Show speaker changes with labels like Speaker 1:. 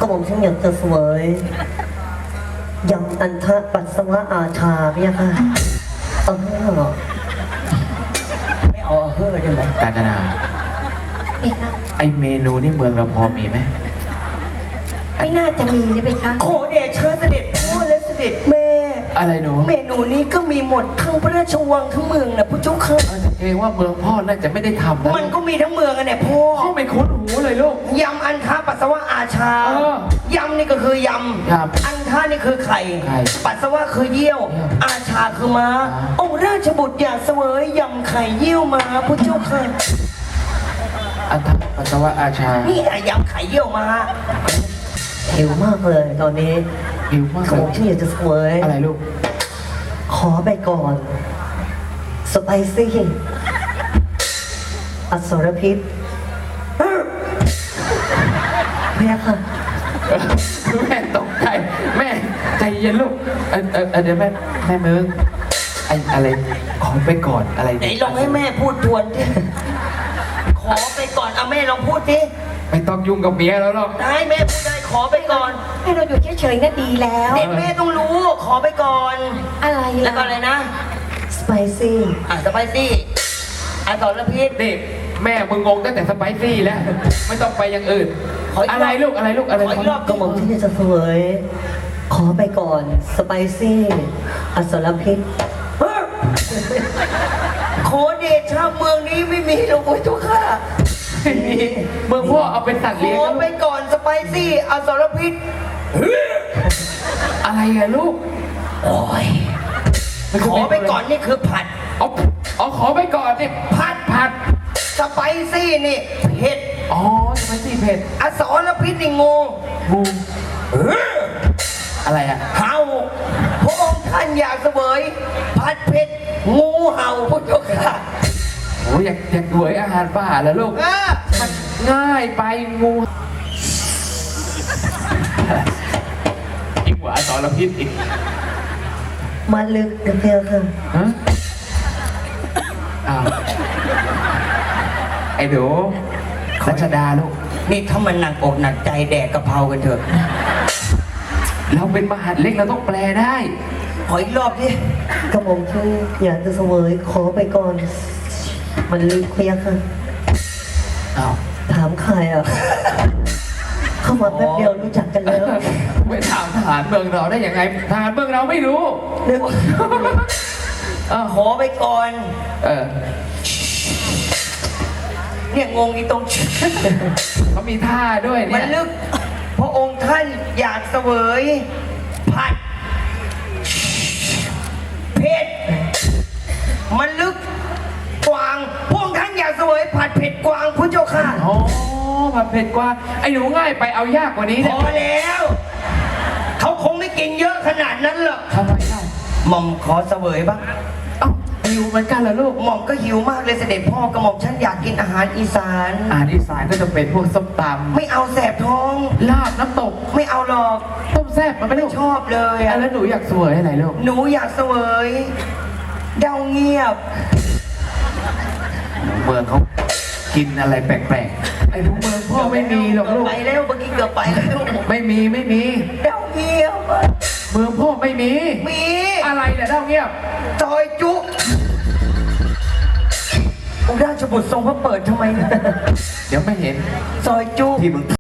Speaker 1: ก็ผมฉันอยากจะเสวยยำอันทะปัสสาวะอาชาเนี่ยค่ะ
Speaker 2: ไม่เอาเฮ้อได้ไหมกาญจนาไอเมนูนี่เมืองเราพอมีไหม
Speaker 3: ไม่น่าจะมีนะเบคะ
Speaker 1: ขอเดชะเสด็จพ่อและเสด็จแม่
Speaker 2: อะไรหนู
Speaker 1: เมนูนี้ก็มีหมดทั้งพระราชวังทั้งเมืองนะผู้เจ้าค่ะ
Speaker 2: เกรงว่าเมืองพ่อน่าจะไม่ได้ทำนะ
Speaker 1: มันก็มีทั้งเมืองอะเนี่ยพ่อ
Speaker 2: พ่อไม่คุ้นหูเลยลูก
Speaker 1: ยำอันทะปัสสาวะอาชายำนี่ก็คือยำอันทะนี่คือไข่ปัสสาวะคือเยี่ยวอาชาคือม้าองค์ราชบุตรอยากเสวยยำไข่เยี่ยวม้าผู้เจ้าค่ะ
Speaker 2: อันทะปัสสาวะอาชา
Speaker 1: นี่ยำไข่เยี่ยวม้าหิวมากเลยตอนนี้
Speaker 2: หิวมาก
Speaker 1: ผมที่อยากจะเสวย
Speaker 2: อะไรลูก
Speaker 1: ขอไปก่อนสไปซี่อสรพิษเพียค่ะ
Speaker 2: แม่ตกใจแม่ใจเย็นลูกเดี๋ยวแม่มึงอะไรขอไปก่อนอะไร
Speaker 1: ไหนลองให้แม่พูดทวนดิขอไปก่อนเอาแม่ลองพูดดิ
Speaker 2: ไม่ต้องยุ่งกับเมียแล้วหรอก
Speaker 1: ได้แม่พูดได้ขอไปก่อน
Speaker 3: ให้เราอยู่เฉยๆน่ะดีแล้ว
Speaker 1: เด็กแม่ต้องรู้ขอไปก่อน
Speaker 3: อะไร
Speaker 1: แล้วก็อะไรนะสไปซี่สไปซี่สรพิษ
Speaker 2: นี่แม่มึงงงตั้งแต่สไปซี่แล้วไม่ต้องไปอย่างอื่นอะไรลูกอะไร
Speaker 1: ก็มองที่จะเสวยขอไปก่อนสไปซี่อสรพิษขอเดชะเมืองนี้ไม่มีหรอกทุกข้า
Speaker 2: เมืองพ่อเอาเป็นสัตว์เลี้ยง
Speaker 1: ขอไปก่อนสไปซี่อสรพิษ
Speaker 2: อะไรอะลูก
Speaker 1: โอ้ยขอไปก่อนนี่คือผัด
Speaker 2: อ๋อขอไปก่อนนี่ผัด
Speaker 1: สไปซี่นี่เผ็ด
Speaker 2: อ๋อสไปซี่เผ็ด
Speaker 1: อสรพิษนี่งู
Speaker 2: อะไรอะ
Speaker 1: เห่าพระองค์ท่านอยากเสวยผัดเผ็ดงูเห่าพุทธค่ะ
Speaker 2: โอ้อยากเสวยอาหารป่าแล้วลูกมันง่ายไปงูอีกหัวอสรพิษอีก
Speaker 1: มาลึกเดียวค่ะ
Speaker 2: ไอ้หนูรัชดาลูก
Speaker 1: นี่ถ้ามันหนักอกหนักใจแดกกะเพรากันเถอะ
Speaker 2: เราเป็นมหาดเล็กเราต้องแปลได้
Speaker 1: ขออีกรอบดิกระผมที่อยากจะเสวยขอไปก่อนมันลึกเพียงค่ะถามใครเข้ามาแป๊บเดียวรู้จักกันแล้ว
Speaker 2: ไปถามทหารเมืองเราได้ยังไงทหารเมืองเราไม่รู้
Speaker 1: ขอไปก่อนเนี่ยงงอีตรง
Speaker 2: เขามีท่าด้วยเนี่ย
Speaker 1: มันลึกพระองค์ท่านอยากเสวยผัดเผ็ดมันลึกกวางพวกท่านอยากเสวยผัดเผ็ดกวางพุทธเจ้าค่ะ
Speaker 2: อ๋อผัดเผ็ดกวางไอ้หนูง่ายไปเอายากกว่านี้
Speaker 1: พอแล้วเขาคงไม่กินเยอะขนาดนั้นหรอก
Speaker 2: ทำไมเล่า
Speaker 1: หม่อมขอเสวยบ้าง
Speaker 2: หิวเหมือนกันเหรอลูก
Speaker 1: หม่อมก็หิวมากเลยเสด็จพ่อกระหม่อมฉันอยากกินอาหารอีสาน
Speaker 2: ก็จะเป็นพวกส้มตำ
Speaker 1: ไม่เอาแสบท้อง
Speaker 2: ลาบน้ำตก
Speaker 1: ไม่เอาหรอก
Speaker 2: ต้มแซ่บมันไม่
Speaker 1: ชอบเลย
Speaker 2: แล้วหนูอยากเสวยอะไรลูก
Speaker 1: หนูอยากเสวยเดาเงียบ
Speaker 2: เมืองเขากินอะไรแปลกๆไอ้พวกเมืองพ่อไม่มีหรอกลูก
Speaker 1: ไปแล้วเมื่อกี้เกือบไปแล้ว
Speaker 2: ไม่มี
Speaker 1: เดาเงียบ
Speaker 2: เมืองพ่อไม่มีอะไรเนี่ยเดาเงียบ
Speaker 1: ซอยจุองค์ราชบุตรทรงพระเปิดทำไมเนี่ย
Speaker 2: เดี๋ยวไม่เห็น
Speaker 1: ซอยจุที่มึง